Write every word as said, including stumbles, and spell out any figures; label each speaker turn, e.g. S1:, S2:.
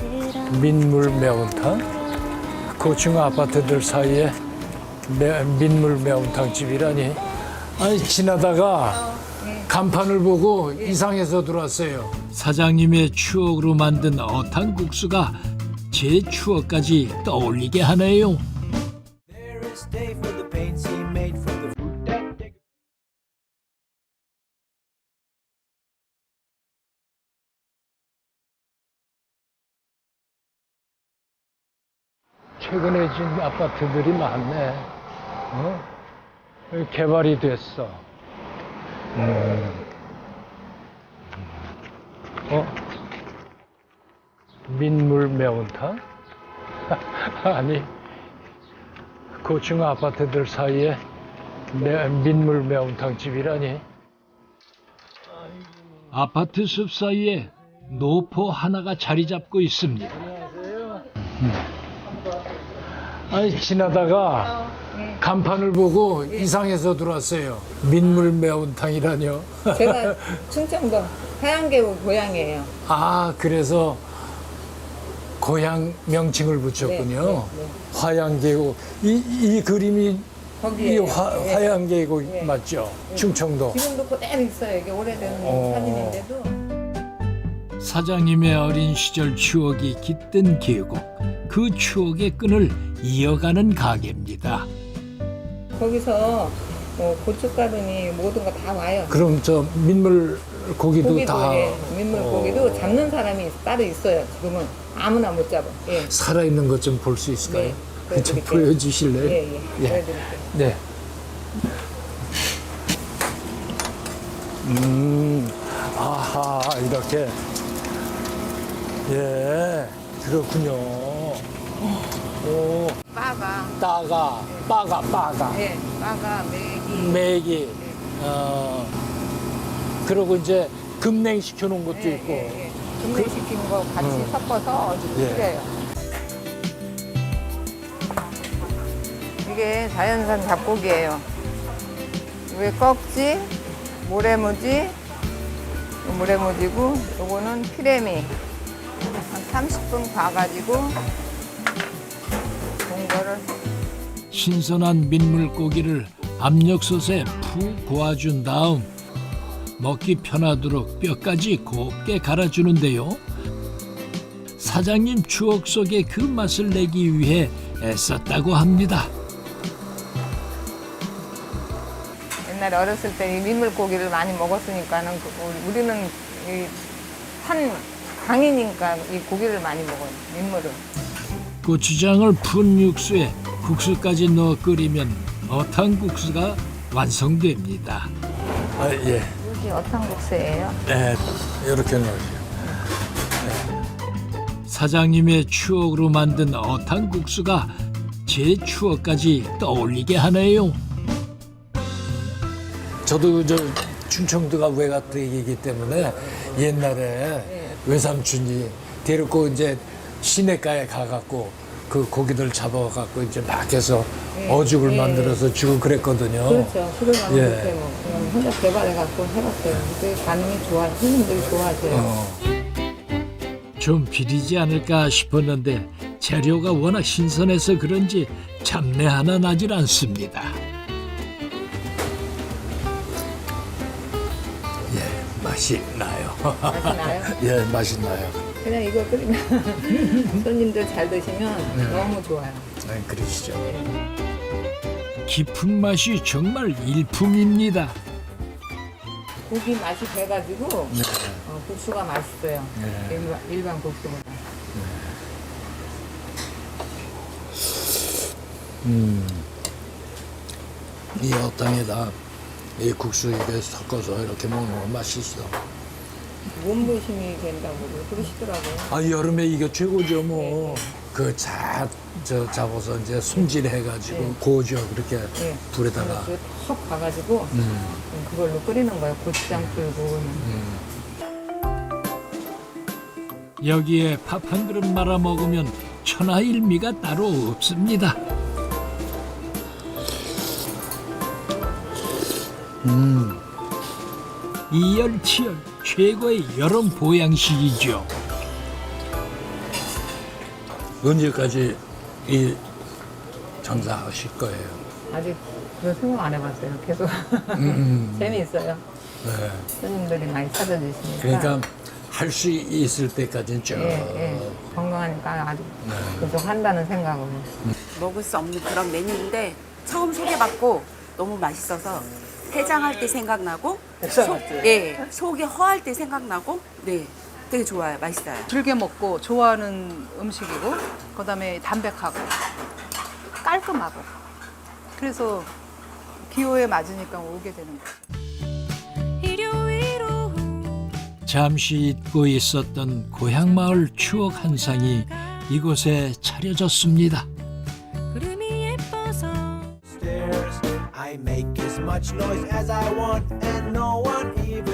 S1: 민물 매운탕? 고층 아파트들 사이에 매, 민물 매운탕 집이라니. 아니 지나다가 간판을 보고 이상해서 들어왔어요.
S2: 사장님의 추억으로 만든 어탕국수가 제 추억까지 떠올리게 하네요.
S1: 최근에 진 아파트들이 많네. 어? 여기 개발이 됐어. 음. 어? 민물 매운탕? 아니, 고층 아파트들 사이에 매, 민물 매운탕 집이라니.
S2: 아파트 숲 사이에 노포 하나가 자리 잡고 있습니다.
S1: 아니, 지나다가 간판을 보고 이상해서 들어왔어요. 민물 매운탕이라뇨.
S3: 제가 충청도 하양계곡 고향이에요.
S1: 아, 그래서 고향 명칭을 붙였군요.
S3: 네, 네, 네.
S1: 화양계곡. 이, 이 그림이 이
S3: 거기에요.
S1: 화,
S3: 네.
S1: 화양계곡
S3: 네.
S1: 맞죠? 충청도.
S3: 지금도 그대로 있어요. 이게 오래된
S1: 어.
S3: 사진인데도.
S2: 사장님의 어린 시절 추억이 깃든 계곡. 그 추억의 끈을 이어가는 가게입니다.
S3: 거기서 뭐 고춧가루니 모든 거 다 와요.
S1: 그럼 저 민물 고기도,
S3: 고기도
S1: 다
S3: 예, 민물
S1: 어.
S3: 고기도 잡는 사람이 따로 있어요. 지금은 아무나 못 잡아. 예.
S1: 살아있는 것 좀 볼 수 있을까요?
S3: 네,
S1: 좀
S3: 보여드릴게요.
S1: 보여주실래요?
S3: 예, 예. 보여드릴게요.
S1: 네. 음, 아하, 이렇게. 예, 그렇군요. 오,
S3: 빠가,
S1: 따가, 빠가, 빠가,
S3: 예, 빠가, 메기.
S1: 매기. 어, 그리고 이제 급냉시켜 놓은 것도
S3: 예,
S1: 있고.
S3: 예, 예. 분해시킨 거 같이
S1: 음.
S3: 섞어서 아주
S1: 예.
S3: 끓여요. 이게 자연산 잡고기예요. 이게 꺽지, 모래무지, 모래무지고, 요거는 피레미. 한 삼십 분 봐가지고 동거를
S2: 신선한 민물고기를 압력솥에 푹 고아준 다음 먹기 편하도록 뼈까지 곱게 갈아주는데요. 사장님 추억 속의 그 맛을 내기 위해 애썼다고 합니다.
S3: 옛날에 어렸을 때 이 민물고기를 많이 먹었으니까는 그 우리- 우리는 이 산 강이니까 이 고기를 많이 먹어요. 민물을.
S2: 고추장을 푼 육수에 국수까지 넣어 끓이면 어탕국수가 완성됩니다.
S1: 아, 예.
S3: 여기 어탕국수예요.
S1: 네, 이렇게 넣으세요.
S2: 사장님의 추억으로 만든 어탕국수가 제 추억까지 떠올리게 하네요.
S1: 저도 저 충청도가 외갓댁이기 때문에 옛날에 외삼촌이 데리고 이제 시내가에 가갖고 그 고기들 잡아갖고 이제 막 해서 어죽을
S3: 예.
S1: 만들어서 주고 그랬거든요.
S3: 그렇죠. 술을 많이
S1: 예.
S3: 못해 뭐 그냥 혼자 개발해갖고 해봤어요. 되게 반응이 좋아. 손님들이 좋아하세요.
S1: 어.
S2: 좀 비리지 않을까 싶었는데 재료가 워낙 신선해서 그런지 잡내 하나 나질 않습니다.
S1: 예, 맛이 나요.
S3: 맛이 나요?
S1: 예, 맛이 나요.
S3: 그냥 이거 끓이면 손님들 잘 드시면 너무 좋아요.
S1: 네, 그러시죠.
S2: 깊은 맛이 정말 일품입니다.
S3: 고기 맛이 배가지고
S1: 네.
S3: 어, 국수가 맛있어요.
S1: 네.
S3: 일반, 일반 국수보다.
S1: 이 어탕에다 이 국수 이렇게 섞어서 이렇게 먹는 거 맛있어.
S3: 몸보심이 된다고 그러시더라고요.
S1: 아, 여름에 이게 최고죠, 뭐. 그 자, 저 잡아서 이제 손질해가지고
S3: 네.
S1: 고죠, 그렇게
S3: 네.
S1: 불에다가.
S3: 그턱 가가지고
S1: 음,
S3: 그걸로 끓이는 거예요. 고추장 풀고.
S1: 음.
S2: 여기에 밥 한 그릇 말아 먹으면 천하일미가 따로 없습니다.
S1: 음.
S2: 이열치열 최고의 여름 보양식이죠.
S1: 언제까지 이 장사하실 거예요?
S3: 아직 그런 생각 안 해봤어요. 계속
S1: 음,
S3: 재미있어요.
S1: 네.
S3: 손님들이 많이 찾아주시니까.
S1: 그러니까 할 수 있을 때까지는 쭉.
S3: 예, 예. 건강하니까 아직
S1: 네.
S3: 계속 한다는 생각으로.
S4: 먹을 수 없는 그런 메뉴인데 처음 소개받고 너무 맛있어서 해장할 때 생각나고 속, 예, 속이 허할 때 생각나고 네, 되게 좋아요. 맛있어요.
S5: 즐겨 먹고 좋아하는 음식이고 그다음에 담백하고 깔끔하고 그래서 기호에 맞으니까 오게 되는 거죠.
S2: 잠시 잊고 있었던 고향 마을 추억 한 상이 이곳에 차려졌습니다.
S6: stairs. I make as much noise as I want, and no one even